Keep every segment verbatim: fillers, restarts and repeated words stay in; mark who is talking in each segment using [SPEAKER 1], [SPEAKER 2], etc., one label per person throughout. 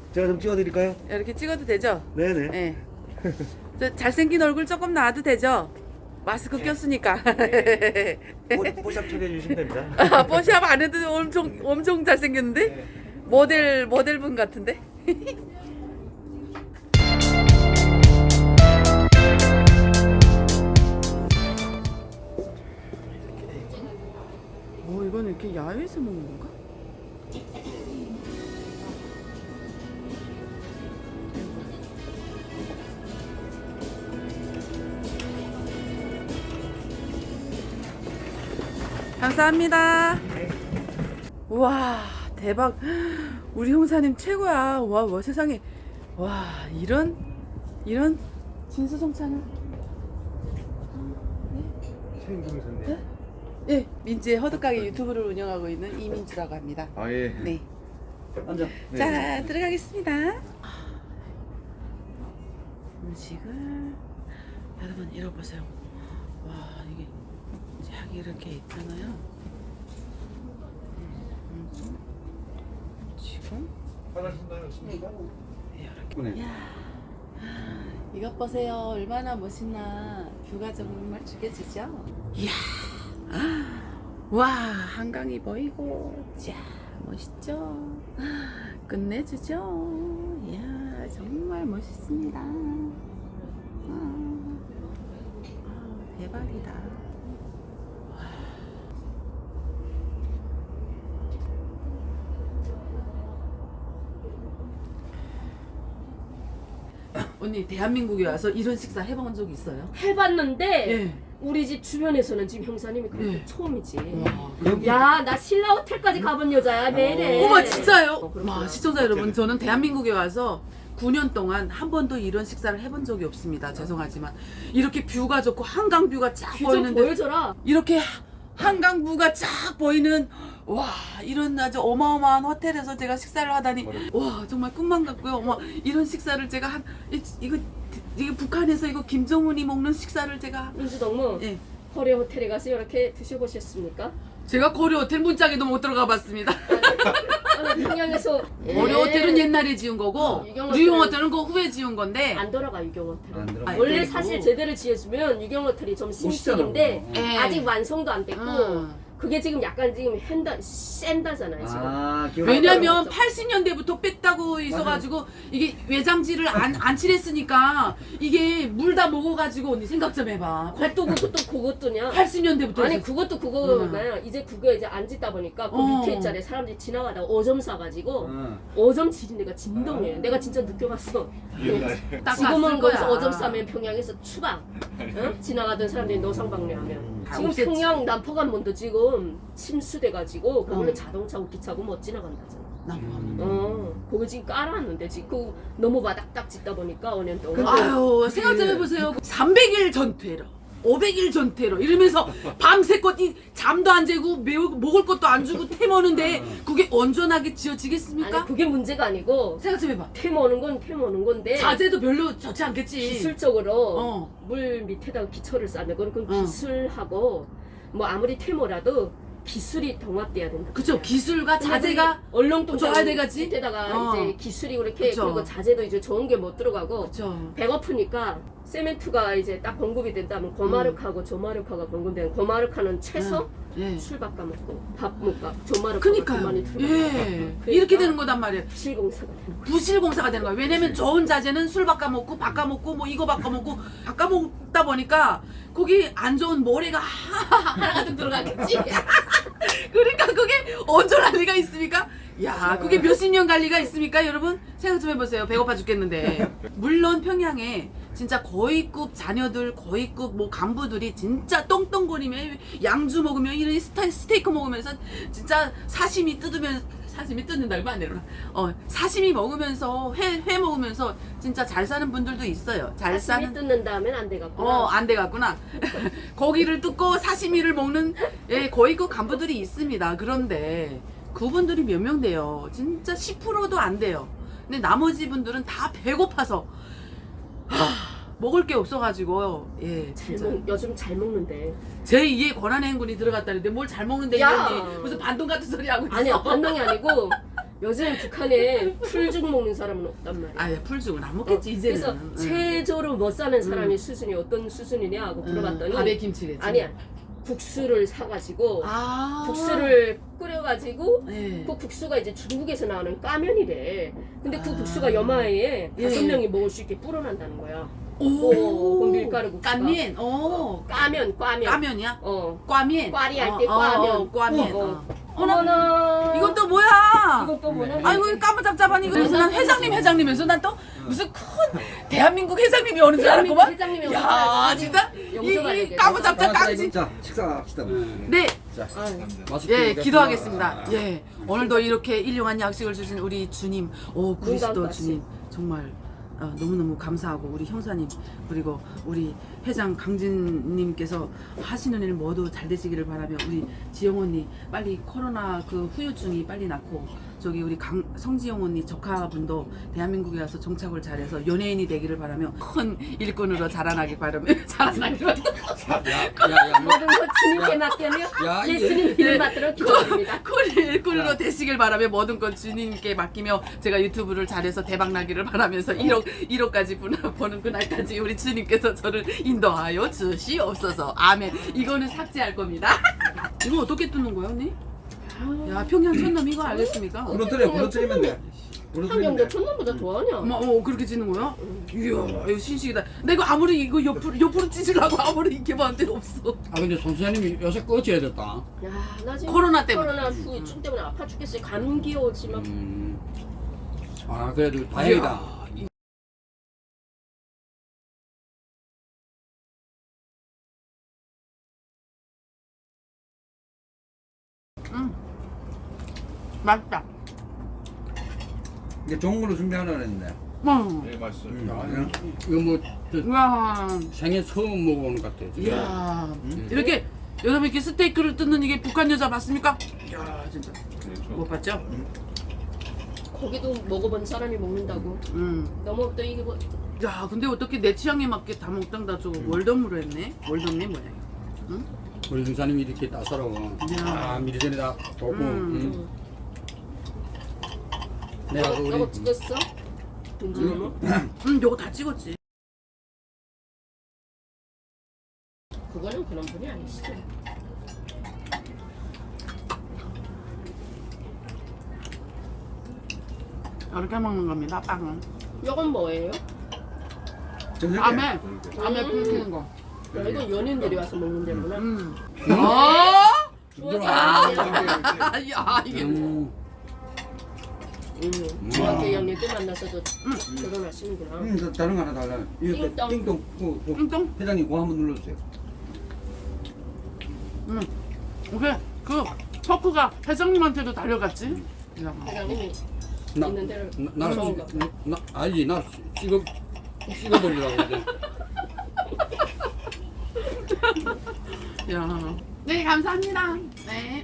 [SPEAKER 1] 제가 좀 찍어드릴까요?
[SPEAKER 2] 이렇게 찍어도 되죠?
[SPEAKER 1] 네네.
[SPEAKER 2] 네. 저 잘생긴 얼굴 조금 나와도 되죠? 마스크 꼈으니까.
[SPEAKER 1] 뽀- 뽀샵 처리해 주시면 됩니다.
[SPEAKER 2] 아, 뽀샵 안 해도 엄청 엄청 잘생겼는데? 모델 모델분 같은데? 오, 이건 이렇게 야외에서 먹는 건가? 감사합니다. 우와, 대박. 우리 형사님 최고야. 와, 와 세상에. 와, 이런 이런 진수성찬을.
[SPEAKER 1] 최인경선님.
[SPEAKER 2] 네? 예, 민지의 허드가게 유튜브를 운영하고 있는 이민주라고 합니다.
[SPEAKER 1] 아 예.
[SPEAKER 2] 네.
[SPEAKER 1] 앉아. 네.
[SPEAKER 2] 자, 들어가겠습니다. 음식을 여러분 잃어보세요. 와, 이게 쫙 이렇게 있잖아요. 음, 지금
[SPEAKER 1] 네.
[SPEAKER 2] 이렇게. 야, 이것 보세요. 얼마나 멋있나. 뷰가 정말 죽여지죠? 이야, 와, 한강이 보이고, 자, 멋있죠? 끝내주죠? 이야, 정말 멋있습니다. 아, 아, 대박이다. 언니, 대한민국에 와서 이런 식사 해본 적 있어요?
[SPEAKER 3] 해봤는데
[SPEAKER 2] 예.
[SPEAKER 3] 우리 집 주변에서는 지금 형사님이 그렇게
[SPEAKER 2] 예.
[SPEAKER 3] 처음이지.
[SPEAKER 2] 와,
[SPEAKER 3] 야, 나 신라 호텔까지 가본 여자야 매일에.
[SPEAKER 2] 어머, 진짜요?
[SPEAKER 3] 어, 그렇구나.
[SPEAKER 2] 와, 시청자 여러분, 저는 대한민국에 와서 구 년 동안 한 번도 이런 식사를 해본 적이 없습니다. 죄송하지만 이렇게 뷰가 좋고 한강 뷰가 쫙
[SPEAKER 3] 귀 좀
[SPEAKER 2] 보이는데
[SPEAKER 3] 보여줘라.
[SPEAKER 2] 이렇게 한강 뷰가 쫙 보이는 와, 이런 아주 어마어마한 호텔에서 제가 식사를 하다니 와, 정말 꿈만 같고요. 어머, 이런 식사를 제가 한 이, 이거 이게 북한에서 이거 김정은이 먹는 식사를 제가
[SPEAKER 3] 민주 동무
[SPEAKER 2] 예.
[SPEAKER 3] 코리아 호텔에 가서 이렇게 드셔보셨습니까?
[SPEAKER 2] 제가 고려 호텔 문짝에도 못 들어가 봤습니다.
[SPEAKER 3] 아니, 평양에서
[SPEAKER 2] 고려 호텔은 옛날에 지은 거고
[SPEAKER 3] 어, 유경
[SPEAKER 2] 유경
[SPEAKER 3] 호텔은
[SPEAKER 2] 호텔은 그 후에 지은 건데
[SPEAKER 3] 안 돌아가 유경 호텔은.
[SPEAKER 1] 안 들어가.
[SPEAKER 2] 아니,
[SPEAKER 3] 원래
[SPEAKER 2] 그리고-
[SPEAKER 3] 사실 제대로 지어주면 유경 호텔이 좀 신식인데
[SPEAKER 2] 예.
[SPEAKER 3] 아직 완성도 안 됐고
[SPEAKER 2] 음.
[SPEAKER 3] 그게 지금 약간 지금 핸다 센다잖아요 지금.
[SPEAKER 1] 아, 기억.
[SPEAKER 2] 왜냐면 팔십 년대부터 뺐다고 있어가지고 이게 외장지를 안, 안 칠했으니까 이게 물 다 먹어가지고 언니 생각 좀 해봐.
[SPEAKER 3] 그것도 그것도 그것도냐?
[SPEAKER 2] 팔십 년대부터
[SPEAKER 3] 아니
[SPEAKER 2] 해서-
[SPEAKER 3] 그것도 그거나 이제 그거 이제 안 짓다 보니까 그
[SPEAKER 2] 어.
[SPEAKER 3] 밑에 자리에 사람들이 지나가다가 오점 사가지고
[SPEAKER 1] 응.
[SPEAKER 3] 오점 지진 데가 진동이에요. 내가 진짜 느껴봤어.
[SPEAKER 2] 딱
[SPEAKER 3] 지금은
[SPEAKER 2] 봤을
[SPEAKER 3] 거기서
[SPEAKER 2] 거야.
[SPEAKER 3] 오점 싸면 평양에서 추방. 응? 지나가던 사람들이 노상방뇨하면
[SPEAKER 2] 다
[SPEAKER 3] 지금
[SPEAKER 2] 없앴지.
[SPEAKER 3] 평양 남포관문도 지금 침수돼가지고 거기는
[SPEAKER 2] 어.
[SPEAKER 3] 자동차고 기차고 못 지나간다잖아.
[SPEAKER 2] 나무하면.
[SPEAKER 3] 어, 거기 지금 깔아놨는데 지금 그 너무 바닥딱 짓다 보니까 오 년 동안.
[SPEAKER 2] 아유, 생각 좀 해보세요. 삼백 일 전퇴로, 오백 일 전퇴로 이러면서 밤새껏 이 잠도 안 재고 매우 먹을 것도 안 주고 태머는데 그게 온전하게 지어지겠습니까?
[SPEAKER 3] 아니 그게 문제가 아니고
[SPEAKER 2] 생각 좀 해봐.
[SPEAKER 3] 태모는 건 태모는 건데
[SPEAKER 2] 자재도 별로 좋지 않겠지.
[SPEAKER 3] 기술적으로
[SPEAKER 2] 어.
[SPEAKER 3] 물 밑에다가 기초를 쌓는 건 그건
[SPEAKER 2] 어.
[SPEAKER 3] 기술하고 뭐 아무리 태모라도 기술이 동합돼야 된다.
[SPEAKER 2] 그쵸, 기술과 자재가
[SPEAKER 3] 얼렁뚱땅
[SPEAKER 2] 좋아야 되겠지?
[SPEAKER 3] 밑에다가
[SPEAKER 2] 어.
[SPEAKER 3] 이제 기술이 이렇게
[SPEAKER 2] 그쵸.
[SPEAKER 3] 그리고 자재도 이제 좋은 게 못 들어가고
[SPEAKER 2] 그쵸.
[SPEAKER 3] 배고프니까 세멘트가 이제 딱 공급이 된다면 고마르카하고 조마르카가 공급되는 고마르카는 채소
[SPEAKER 2] 예.
[SPEAKER 3] 술 바꿔 먹고 밥 먹고 조마르카가
[SPEAKER 2] 그니까요.
[SPEAKER 3] 그만이 들어가.
[SPEAKER 2] 예. 이렇게 되는 거단 말이에요.
[SPEAKER 3] 실공사가 되는 거야.
[SPEAKER 2] 부실공사가 되는 거예요. 왜냐면 좋은 자재는 술 바꿔 먹고 바꿔 먹고 뭐 이거 바꿔 먹고 바꿔 먹다 보니까 거기 안 좋은 모래가 하나가득 들어가겠지. 그러니까 그게 온전할 리가 있습니까? 야, 그게 몇십 년 갈 리가 있습니까, 여러분? 생각 좀 해보세요. 배고파 죽겠는데. 물론 평양에 진짜 고위급 자녀들, 고위급 뭐 간부들이 진짜 똥똥거리며 양주 먹으며 이런 스타, 스테이크 먹으면서 진짜 사시미 뜯으면 사시미 뜯는다고 안 되나? 어, 사시미 먹으면서 회, 회 먹으면서 진짜 잘 사는 분들도 있어요. 잘
[SPEAKER 3] 사시미
[SPEAKER 2] 사는.
[SPEAKER 3] 뜯는다 하면 안 되겠구나.
[SPEAKER 2] 어, 안 돼갔구나. 고기를 뜯고 사시미를 먹는 예, 고위급 간부들이 있습니다. 그런데 그분들이 몇 명 돼요? 진짜 십 퍼센트도 안 돼요. 근데 나머지 분들은 다 배고파서 하, 먹을 게 없어가지고 예,
[SPEAKER 3] 잘
[SPEAKER 2] 진짜
[SPEAKER 3] 먹, 요즘 잘 먹는데.
[SPEAKER 2] 제이의 권한의 행군이 들어갔다는데 뭘 잘 먹는데
[SPEAKER 3] 야.
[SPEAKER 2] 이러니 무슨 반동 같은 소리 하고 있어.
[SPEAKER 3] 아니야 반동이 아니고 요즘 북한에 풀죽 먹는 사람은 없단 말이야.
[SPEAKER 2] 아예 풀죽은 안 먹겠지
[SPEAKER 3] 어,
[SPEAKER 2] 이제는.
[SPEAKER 3] 그래서
[SPEAKER 2] 응.
[SPEAKER 3] 최저로 못 사는 사람이 수준이 어떤 수준이냐고 물어봤더니
[SPEAKER 2] 밥에 김치겠지.
[SPEAKER 3] 아니야. 국수를 사가지고
[SPEAKER 2] 아
[SPEAKER 3] 국수를 끓여가지고
[SPEAKER 2] 네.
[SPEAKER 3] 그 국수가 이제 중국에서 나오는 까면이래. 근데 그
[SPEAKER 2] 아.
[SPEAKER 3] 국수가 여마에
[SPEAKER 2] 예.
[SPEAKER 3] 다섯 명이 먹을 수 있게 불어난다는 거야.
[SPEAKER 2] 오,
[SPEAKER 3] 그 밀가루 국수가.
[SPEAKER 2] 깐면, 오,
[SPEAKER 3] 까면, 까면.
[SPEAKER 2] 까면이야?
[SPEAKER 3] 어.
[SPEAKER 2] 꽈면.
[SPEAKER 3] 꽈리 할
[SPEAKER 2] 어,
[SPEAKER 3] 때
[SPEAKER 2] 어,
[SPEAKER 3] 꽈면.
[SPEAKER 2] 어, 꽈면.
[SPEAKER 3] 어.
[SPEAKER 2] 어.
[SPEAKER 3] 어머나.
[SPEAKER 2] 이건 또 뭐야?
[SPEAKER 3] 이건 또 뭐냐?
[SPEAKER 2] 아이고 까무잡잡한 이거 그래서 난 회장님 회장님에서 난 또 무슨 큰 대한민국 회장님이 오는 줄 알았구만.
[SPEAKER 3] 회장님이 오는 줄
[SPEAKER 2] 야
[SPEAKER 3] 알았더니
[SPEAKER 2] 진짜
[SPEAKER 3] 영수가
[SPEAKER 2] 이, 이
[SPEAKER 3] 되게
[SPEAKER 2] 까무잡잡 깡지.
[SPEAKER 1] 자 식사합시다.
[SPEAKER 2] 네.
[SPEAKER 1] 자
[SPEAKER 4] 맛있게
[SPEAKER 2] 예,
[SPEAKER 4] 먹겠습니다.
[SPEAKER 2] 기도하겠습니다. 예, 오늘도 이렇게 일용한 약식을 주신 우리 주님, 오 그리스도
[SPEAKER 3] 건강까지.
[SPEAKER 2] 주님 정말 어, 너무너무 감사하고 우리 형사님 그리고 우리 회장 강진님께서 하시는 일 모두 잘 되시기를 바라며 우리 지영 언니 빨리 코로나 그 후유증이 빨리 낫고 저기 우리 강, 성지영 언니 조카분도 대한민국에 와서 정착을 잘해서 연예인이 되기를 바라며 큰 일꾼으로 자라나길 바라며 자라나길 바라며
[SPEAKER 4] 야야
[SPEAKER 3] 모든 것 주님께 맡겨며
[SPEAKER 4] 야, 이게-
[SPEAKER 3] 예수님 이름 받들어 기도합니다.
[SPEAKER 2] 큰 일꾼으로 되시길 바라며 모든 것 주님께 맡기며 제가 유튜브를 잘해서 대박 나기를 바라면서 일억 일억까지 버는 그날까지 우리 주님께서 저를 인도하여 주시옵소서. 아멘. 이거는 삭제할 겁니다. 이거 어떻게 뜯는 거야, 언니? 야 평양 촌놈 이거 알겠습니까?
[SPEAKER 1] 부러뜨려 부러뜨리면 돼. 부러뜨리면
[SPEAKER 3] 한경도
[SPEAKER 1] 돼.
[SPEAKER 3] 촌놈보다 더하냐?
[SPEAKER 2] 어머, 어 그렇게 찢는 거야? 이야 이거 신식이다. 나 이거 아무리 이거 옆으로 옆으로 찢으려고 아무리 이렇게 봤는데 없어.
[SPEAKER 4] 아 근데 손수장님이 요새 꺼져야 됐다.
[SPEAKER 3] 야, 나 지금
[SPEAKER 2] 코로나 때문에.
[SPEAKER 3] 코로나 후유증 때문에 아파 죽겠어요. 감기 오지 막.
[SPEAKER 4] 음. 아 그래도 다행이다.
[SPEAKER 2] 이야, 이- 음 맛있다.
[SPEAKER 1] 이제 좋은 걸로 준비하려고 했는데.
[SPEAKER 2] 음.
[SPEAKER 5] 네, 맛있어요.
[SPEAKER 1] 음.
[SPEAKER 4] 이거 뭐 저,
[SPEAKER 2] 우와.
[SPEAKER 4] 생애 처음 먹어보는 것 같아. 진짜.
[SPEAKER 2] 이야 이렇게 여러분 이렇게 스테이크를 뜯는 이게 북한 여자 맞습니까? 이야 진짜
[SPEAKER 5] 그렇죠.
[SPEAKER 2] 못 봤죠?
[SPEAKER 3] 고기도 먹어본 사람이 먹는다고.
[SPEAKER 2] 음.
[SPEAKER 3] 너무 또 이게 뭐
[SPEAKER 2] 야 근데 어떻게 내 취향에 맞게 다 먹당다 저거 월덤으로 했네. 월덤이 뭐야 이거?
[SPEAKER 4] 우리 중사님이 이렇게 따사로워.
[SPEAKER 2] 야.
[SPEAKER 4] 아 미리 전에 다 보고.
[SPEAKER 2] 음.
[SPEAKER 4] 음. 내가 그
[SPEAKER 3] 너거, 너거
[SPEAKER 4] 우리
[SPEAKER 3] 찍었어? 윤준이
[SPEAKER 2] 음 요거 다 찍었지.
[SPEAKER 3] 그거는 그런 분이 아니시죠.
[SPEAKER 2] 이렇게 먹는 겁니다 빵은.
[SPEAKER 3] 이건 뭐예요?
[SPEAKER 1] 저녁에.
[SPEAKER 2] 밤에 밤에 끓이는 거.
[SPEAKER 3] 야, 이건 연인들이 와서 먹는 데구나.
[SPEAKER 2] 음.
[SPEAKER 4] 음.
[SPEAKER 2] 어?
[SPEAKER 3] 아,
[SPEAKER 2] 야 이게
[SPEAKER 4] 음.
[SPEAKER 3] 음, 중학교 이 학년 때 만나서도 결혼하시는구나.
[SPEAKER 1] 음, 저 다른 거 하나 달라. 이거
[SPEAKER 3] 띵동.
[SPEAKER 1] 띵동. 그, 그,
[SPEAKER 2] 띵동?
[SPEAKER 1] 회장님 그거 한번 눌러주세요.
[SPEAKER 2] 음. 오케이 그 포크가 회장님한테도 달려갔지. 야.
[SPEAKER 3] 회장님이
[SPEAKER 4] 나,
[SPEAKER 3] 있는 데를
[SPEAKER 4] 나, 나는
[SPEAKER 3] 무서운가
[SPEAKER 4] 찍- 나, 나 알지 나 찍어 찍어버리려고 이제.
[SPEAKER 2] 야. 네 감사합니다. 네.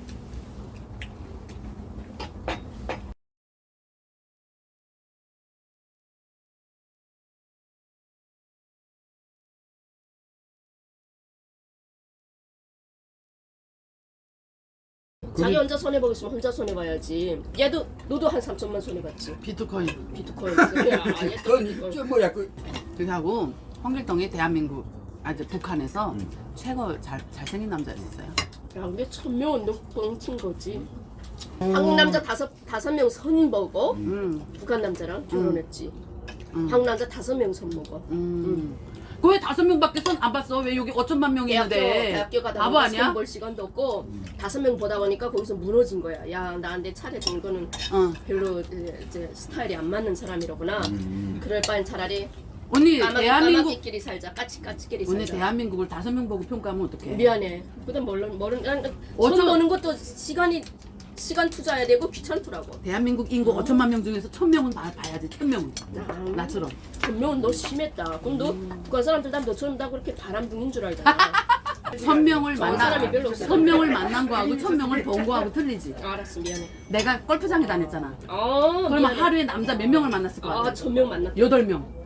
[SPEAKER 3] 자기 혼자 손해 보겠으면 혼자 손해 봐야지. 얘도 너도 한 삼천만 손해 봤지.
[SPEAKER 2] 비트코인.
[SPEAKER 3] 비트코인. 야, 얘도
[SPEAKER 4] 그건
[SPEAKER 3] 비트코인.
[SPEAKER 4] 저 뭐야 그
[SPEAKER 2] 그게 하고 홍길동이 대한민국 아주 북한에서 최고 잘 잘생긴 남자였어요.
[SPEAKER 3] 야, 근데 천명은 너 뻥친 거지. 한국 남자 다섯 다섯 명 선 먹어.
[SPEAKER 2] 음.
[SPEAKER 3] 북한 남자랑 결혼했지.
[SPEAKER 2] 음.
[SPEAKER 3] 한국 남자 다섯 명 선 먹어.
[SPEAKER 2] 음. 그왜 다섯 명밖에 손 안 봤어? 왜 여기 오천만 명이
[SPEAKER 3] 대학교
[SPEAKER 2] 있는데?
[SPEAKER 3] 대학교 가다
[SPEAKER 2] 바보
[SPEAKER 3] 보니까
[SPEAKER 2] 아니야?
[SPEAKER 3] 손 볼 시간도 없고 다섯 명 보다 보니까 거기서 무너진 거야. 야 나한테 차려준 거는
[SPEAKER 2] 어.
[SPEAKER 3] 별로 이제, 이제 스타일이 안 맞는 사람이로구나. 그럴 바엔 차라리
[SPEAKER 2] 언니
[SPEAKER 3] 까마귀
[SPEAKER 2] 대한민국
[SPEAKER 3] 까마귀끼리 살자. 까치까치끼리
[SPEAKER 2] 언니
[SPEAKER 3] 살자.
[SPEAKER 2] 대한민국을 다섯 명 보고 평가하면 어떡해?
[SPEAKER 3] 미안해. 그다음 모르는 모르는 난
[SPEAKER 2] 어쩌-
[SPEAKER 3] 손 보는 것도 시간이 시간 투자해야 되고 귀찮더라고.
[SPEAKER 2] 대한민국 인구 오천만 명 중에서 천 명은 봐, 봐야지. 천 명은.
[SPEAKER 3] 아,
[SPEAKER 2] 나처럼.
[SPEAKER 3] 분명은 너 심했다. 그럼 너 북한 사람들 다 너처럼 다 그렇게 바람둥인 줄 알잖아.
[SPEAKER 2] 천 명을
[SPEAKER 3] 좋은 사람이 별로
[SPEAKER 2] 만나
[SPEAKER 3] 없어.
[SPEAKER 2] 천 명을 만난 거하고 천 명을 본 거하고 틀리지.
[SPEAKER 3] 알았어 미안해.
[SPEAKER 2] 내가 골프장에 다녔잖아.
[SPEAKER 3] 아
[SPEAKER 2] 그러면
[SPEAKER 3] 미안해.
[SPEAKER 2] 하루에 남자 몇 명을 만났을 것
[SPEAKER 3] 아
[SPEAKER 2] 같아?
[SPEAKER 3] 천명 만났다.
[SPEAKER 2] 여덟 명.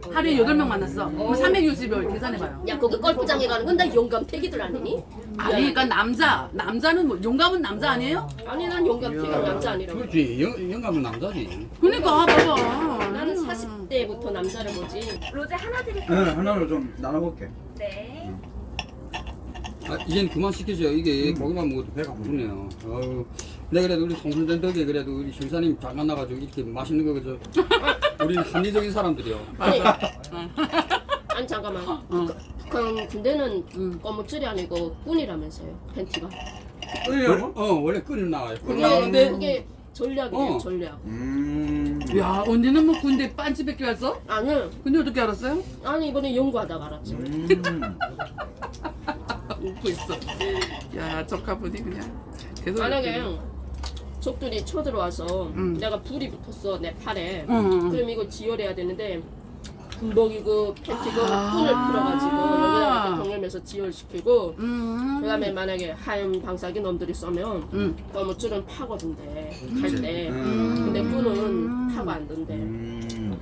[SPEAKER 2] 하루에 여덟 명 만났어. 그럼 삼백육십일 계산해봐요.
[SPEAKER 3] 야 거기 골프장에 가는 건 다 용감태기들 아니니?
[SPEAKER 2] 아니 그러니까 남자 남자는 뭐 용감은 남자 아니에요?
[SPEAKER 3] 아니 난 용감태기가 남자 아니라고.
[SPEAKER 4] 그렇지. 영, 영감은 남자지.
[SPEAKER 2] 그러니까 봐봐.
[SPEAKER 3] 나는 사십 대부터 남자를 보지.
[SPEAKER 5] 로제 하나
[SPEAKER 1] 네,
[SPEAKER 5] 드릴까요?
[SPEAKER 1] 하나로 좀 나눠볼게.
[SPEAKER 5] 네.
[SPEAKER 4] 아, 이젠 그만 시키죠. 이게
[SPEAKER 1] 음.
[SPEAKER 4] 고기만 먹어도 배가 부르네요. 아유, 내가 그래도 우리 송순된 덕에 그래도 우리 신사님 잘 만나가지고 이렇게 맛있는 거 그저 우리는 합리적인 사람들이요.
[SPEAKER 3] 아니, 아니 잠깐만. 북한, 북한 군대는
[SPEAKER 2] 응.
[SPEAKER 3] 검무줄이 아니고 꾼이라면서요. 팬티가.
[SPEAKER 1] 끌려고?
[SPEAKER 4] 어, 원래 끓이 나와요. 끓이
[SPEAKER 3] 그게
[SPEAKER 4] 나오는데
[SPEAKER 3] 그게 전략이에요.
[SPEAKER 4] 어.
[SPEAKER 3] 전략.
[SPEAKER 1] 음.
[SPEAKER 2] 야 언니는 뭐 군대 빤치백기 왔어?
[SPEAKER 3] 아니
[SPEAKER 2] 근데 어떻게 알았어요?
[SPEAKER 3] 아니 이번에 연구하다가 알았지.
[SPEAKER 1] 음.
[SPEAKER 2] 웃고 있어. 야 적합분이 그냥 계속.
[SPEAKER 3] 만약에 적들이 쳐들어와서
[SPEAKER 2] 음.
[SPEAKER 3] 내가 불이 붙었어 내 팔에.
[SPEAKER 2] 응, 응.
[SPEAKER 3] 그럼 이거 지혈해야 되는데 군복이고 팬티고
[SPEAKER 2] 아.
[SPEAKER 3] 끈을 풀어가지고 여기다가 경험해서 지혈시키고
[SPEAKER 2] 음.
[SPEAKER 3] 그다음에 만약에 하얀 방사기 놈들이 쏘면
[SPEAKER 2] 음.
[SPEAKER 3] 검무줄은 파거든대 갈 때.
[SPEAKER 1] 음.
[SPEAKER 3] 근데 끈은 파고 안 된대.
[SPEAKER 1] 음.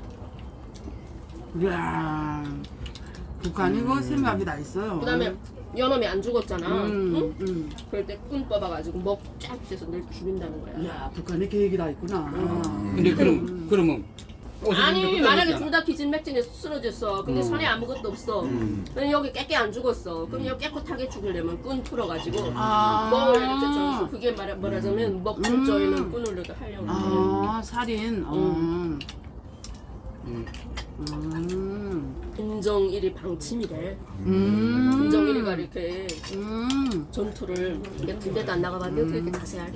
[SPEAKER 2] 야 북한이 그 생각이 다 있어요.
[SPEAKER 3] 그다음에 연놈이 안 죽었잖아.
[SPEAKER 2] 음,
[SPEAKER 3] 응?
[SPEAKER 2] 음.
[SPEAKER 3] 그럴 때 끈 뽑아가지고 목 쫙 떼서 늘 죽인다는 거야.
[SPEAKER 2] 야 북한의 계획이 다 있구나.
[SPEAKER 4] 근데 그럼 그러면
[SPEAKER 3] 아니 만약에 둘 다 기진맥진에 쓰러졌어. 근데
[SPEAKER 4] 음.
[SPEAKER 3] 손에 아무것도 없어.
[SPEAKER 1] 음.
[SPEAKER 3] 근데 여기 깨끗 안 죽었어. 그럼 여기 깨끗하게 죽이려면 끈 풀어가지고
[SPEAKER 2] 아.
[SPEAKER 3] 목을 이렇게 정해서 그게 말하, 말하자면 목 줄조에 있는 끈을 이렇게 하려고.
[SPEAKER 2] 아 살인. 어.
[SPEAKER 3] 음.
[SPEAKER 4] 음.
[SPEAKER 2] 음.
[SPEAKER 3] 김정일이 방침이래.
[SPEAKER 2] 음.
[SPEAKER 3] 김정일이가 이렇게
[SPEAKER 2] 음.
[SPEAKER 3] 전투를 이게 군대도 안 나가봤는데 어떻게 자세히 알냐.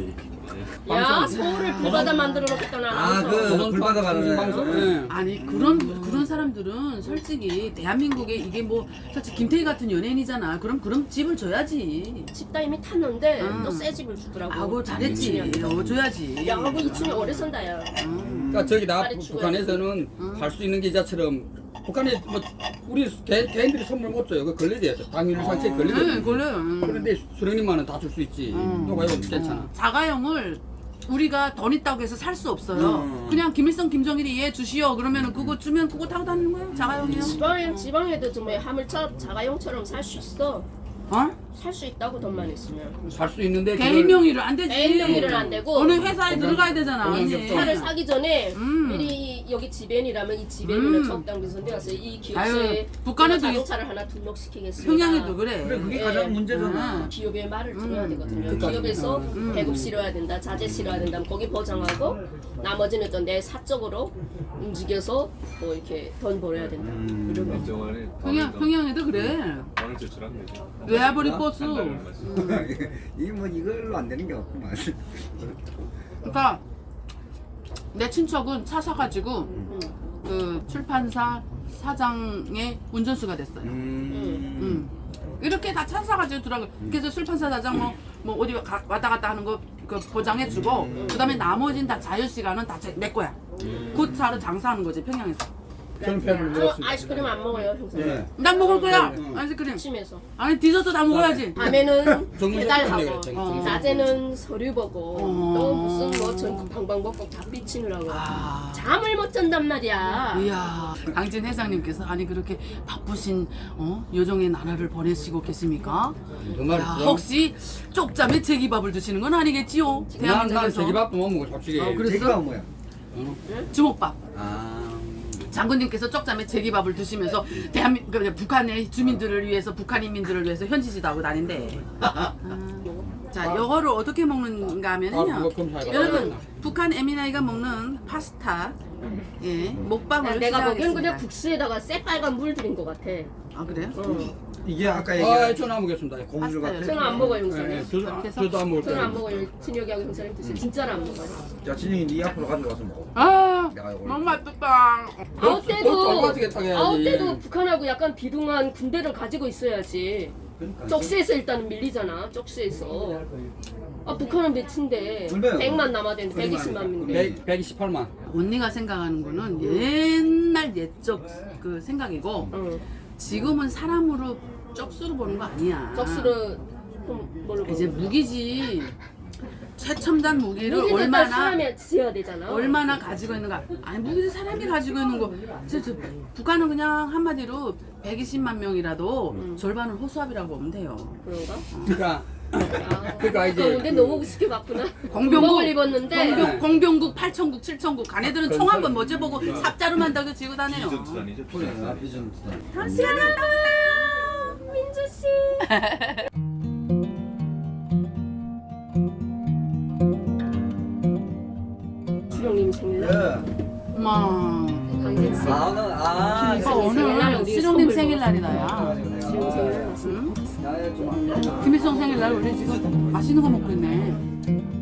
[SPEAKER 3] 야
[SPEAKER 4] 방송.
[SPEAKER 3] 서울을 불바다 만들어 놓겠다 나
[SPEAKER 1] 아,
[SPEAKER 3] 알아서.
[SPEAKER 1] 그 불바다 가는
[SPEAKER 4] 방송.
[SPEAKER 1] 애.
[SPEAKER 4] 예.
[SPEAKER 2] 아니 그런 그런 사람들은 솔직히 대한민국에 이게 뭐 솔직히 김태희 같은 연예인이잖아. 그럼 그럼 집을 줘야지.
[SPEAKER 3] 집다 이미 탔는데
[SPEAKER 2] 음.
[SPEAKER 3] 또 새 집을 주더라고.
[SPEAKER 2] 아고 잘했지. 어 줘야지.
[SPEAKER 3] 야, 뭐 이쯤에 오래 산다야.
[SPEAKER 2] 음.
[SPEAKER 4] 그러니까 저기 나
[SPEAKER 3] 빨리
[SPEAKER 4] 북한에서는 할 수 있는 기자처럼 북한에 뭐 우리 개, 개인들이 선물 못 줘요. 그 걸려야 돼요. 당일 상체에
[SPEAKER 2] 네,
[SPEAKER 4] 걸리거든요.
[SPEAKER 2] 걸려요. 음.
[SPEAKER 4] 그런데 수령님만은 다 줄 수 있지.
[SPEAKER 2] 음.
[SPEAKER 4] 너가 이거 괜찮아.
[SPEAKER 2] 자가용을 우리가 돈 있다고 해서 살 수 없어요.
[SPEAKER 1] 음.
[SPEAKER 2] 그냥 김일성, 김정일이 얘 주시오. 그러면 그거 주면 그거 타고 다니는 거예요. 자가용이요.
[SPEAKER 3] 지방에 지방에도 좀 하물처럼 자가용처럼 살 수 있어.
[SPEAKER 2] 어?
[SPEAKER 3] 살 수 있다고 돈만 있으면.
[SPEAKER 4] 살 수 있는데
[SPEAKER 2] 개인 명의로 안 되지.
[SPEAKER 3] 개인 명의는 안 되고.
[SPEAKER 2] 어느 회사에 들어가야 되잖아.
[SPEAKER 4] 공연
[SPEAKER 2] 언니.
[SPEAKER 3] 차를 사기 전에
[SPEAKER 2] 음.
[SPEAKER 3] 미리 여기 지벤이라면 이 지벤을
[SPEAKER 2] 음.
[SPEAKER 3] 적당비서 내가서 이
[SPEAKER 2] 아유,
[SPEAKER 3] 기업소에
[SPEAKER 2] 북한에도
[SPEAKER 3] 자동차를 하나 등록시키겠습니다.
[SPEAKER 2] 평양에도 그래.
[SPEAKER 1] 그래, 그게
[SPEAKER 3] 예.
[SPEAKER 1] 가장 문제잖아.
[SPEAKER 2] 음.
[SPEAKER 3] 기업의 말을
[SPEAKER 2] 음.
[SPEAKER 3] 들어야 되거든요.
[SPEAKER 4] 그러니까.
[SPEAKER 3] 기업에서
[SPEAKER 2] 음.
[SPEAKER 3] 배급 실어야 된다, 자재 실어야 된다, 거기 보장하고 나머지는 또 내 사적으로 움직여서 뭐 이렇게 돈 벌어야 된다.
[SPEAKER 1] 음.
[SPEAKER 3] 이런 거.
[SPEAKER 6] 정안에
[SPEAKER 2] 평양 평양에도 그래.
[SPEAKER 6] 원을 제출한 거죠.
[SPEAKER 2] 외화벌이 버스.
[SPEAKER 6] 한 달을 마시.
[SPEAKER 1] 이게 뭐 이걸로 안 되는 게 없구만.
[SPEAKER 2] 그러니까 내 친척은 차 사가지고
[SPEAKER 3] 음.
[SPEAKER 2] 그 출판사 사장의 운전수가 됐어요.
[SPEAKER 1] 음.
[SPEAKER 2] 음. 이렇게 다 차 사가지고 들어가. 그래서 출판사 사장 뭐, 뭐 어디 가, 왔다 갔다 하는 거 그 보장해주고, 그 다음에 나머지는 다 자유시간은 다 내 거야. 그 차를 장사하는 거지, 평양에서.
[SPEAKER 4] 저는 배를
[SPEAKER 3] 저
[SPEAKER 4] 물었습니다.
[SPEAKER 3] 아이스크림 안 먹어요, 형사.
[SPEAKER 1] 예.
[SPEAKER 2] 난 먹을 거야,
[SPEAKER 1] 네, 네.
[SPEAKER 2] 아이스크림.
[SPEAKER 3] 심해서.
[SPEAKER 2] 아니, 디저트 다 먹어야지.
[SPEAKER 3] 밤에는
[SPEAKER 4] 정문석
[SPEAKER 3] 배달하고,
[SPEAKER 4] 때문에 그랬죠,
[SPEAKER 2] 정문석.
[SPEAKER 3] 낮에는 서류 보고,
[SPEAKER 2] 어.
[SPEAKER 3] 또 무슨 뭐전 방방곡곡 다 삐치느라고.
[SPEAKER 2] 아.
[SPEAKER 3] 잠을 못 잔단 말이야.
[SPEAKER 2] 이야, 강진 회장님께서 아니 그렇게 바쁘신 어? 요정의 나라를 보내시고 계십니까?
[SPEAKER 4] 정말
[SPEAKER 2] 야, 혹시 쪽잠에 제기밥을 드시는 건 아니겠지요?
[SPEAKER 4] 난, 난
[SPEAKER 2] 대한민국에서
[SPEAKER 4] 제기밥도 못 먹어 솔직히.
[SPEAKER 2] 어, 그래.
[SPEAKER 1] 제가 뭐야?
[SPEAKER 2] 주먹밥.
[SPEAKER 1] 아.
[SPEAKER 2] 장군님께서 쪽잠에 제기밥을 드시면서 대한민 그 북한의 주민들을 위해서 북한 인민들을 위해서 현지지도 하고 다닌대. 아. 자, 이거를 어떻게 먹는가
[SPEAKER 4] 아,
[SPEAKER 2] 하면요.
[SPEAKER 4] 그거 검사해봐.
[SPEAKER 2] 여러분, 북한 에미나이가 먹는 파스타, 예, 먹방을
[SPEAKER 3] 내가 보기엔 그냥
[SPEAKER 2] 시작하겠습니다.
[SPEAKER 3] 국수에다가 새빨간 물 들인 것 같아.
[SPEAKER 2] 아 그래요?
[SPEAKER 3] 어.
[SPEAKER 1] 이게 아까
[SPEAKER 4] 아,
[SPEAKER 1] 얘기한
[SPEAKER 4] 저는 안 먹겠습니다.
[SPEAKER 1] 고무줄
[SPEAKER 2] 파스타요.
[SPEAKER 1] 같은.
[SPEAKER 3] 저는 안 먹어요,
[SPEAKER 4] 예, 예,
[SPEAKER 3] 형사님.
[SPEAKER 4] 저도,
[SPEAKER 2] 이렇게 해서?
[SPEAKER 4] 저도 안 먹을
[SPEAKER 3] 저는 안
[SPEAKER 4] 거예요.
[SPEAKER 3] 먹어요. 진혁이하고 형사님 드세요. 진짜로 안 먹어요.
[SPEAKER 1] 야, 진영이 네 앞으로 가져가서 먹어.
[SPEAKER 2] 아,
[SPEAKER 1] 내가 이거
[SPEAKER 2] 너무 맛있다.
[SPEAKER 3] 아웃
[SPEAKER 4] 또
[SPEAKER 3] 때도
[SPEAKER 4] 쫄바지게 타게 해야지.
[SPEAKER 3] 아웃 때도 북한하고 약간 비등한 군대를 가지고 있어야지.
[SPEAKER 1] 그러니까.
[SPEAKER 3] 쪽수에서 일단은 밀리잖아. 쪽수에서. 아 북한은 몇인데
[SPEAKER 1] 얼마요?
[SPEAKER 3] 백만 남아대는데 백이십만 명인데.
[SPEAKER 4] 백, 백이십팔만.
[SPEAKER 2] 언니가 생각하는 거는 옛날 옛적 그 생각이고
[SPEAKER 3] 응.
[SPEAKER 2] 지금은 사람으로 쪽수로 보는 거 아니야.
[SPEAKER 3] 쪽수를 좀 뭘로
[SPEAKER 2] 이제
[SPEAKER 3] 보는 거야?
[SPEAKER 2] 무기지. 최첨단 무기를
[SPEAKER 3] 무기는
[SPEAKER 2] 얼마나
[SPEAKER 3] 사람이 지어야 되잖아.
[SPEAKER 2] 얼마나 가지고 있는가. 아니 무기를 사람이 가지고 있는 거. 저, 저, 북한은 그냥 한마디로 백이십만 명이라도
[SPEAKER 3] 음.
[SPEAKER 2] 절반은 호수아비라고 보면 돼요.
[SPEAKER 3] 그런가?
[SPEAKER 4] 그러니까
[SPEAKER 3] 아,
[SPEAKER 4] 그러니까 이제-
[SPEAKER 3] 근데 너무 우습게 봤구나.
[SPEAKER 2] 공병국
[SPEAKER 3] 공복을 입었는데
[SPEAKER 2] 공병, 공병국 팔천국 칠천국 가네들은 총 한 번 못 재보고 삽자루만 다고 지고 다녀요.
[SPEAKER 5] 비전투단이죠.
[SPEAKER 1] 그래,
[SPEAKER 5] 비전투단.
[SPEAKER 1] 아, 비전투단.
[SPEAKER 3] 다시 만나요, 민주 씨. 수령님 생일날,
[SPEAKER 1] 예.
[SPEAKER 2] 엄마
[SPEAKER 3] 강진 씨.
[SPEAKER 1] 아, 오늘, 아,
[SPEAKER 2] 오빠
[SPEAKER 3] 생일날
[SPEAKER 2] 오늘
[SPEAKER 3] 우리
[SPEAKER 2] 시롱님
[SPEAKER 3] 선물
[SPEAKER 2] 생일날이다 야.
[SPEAKER 3] 지금 생일날 맛있는
[SPEAKER 2] 응?
[SPEAKER 3] 거.
[SPEAKER 1] 야, 좀.
[SPEAKER 2] 김일성 생일날 우리 지금 맛있는 거 먹고 있네.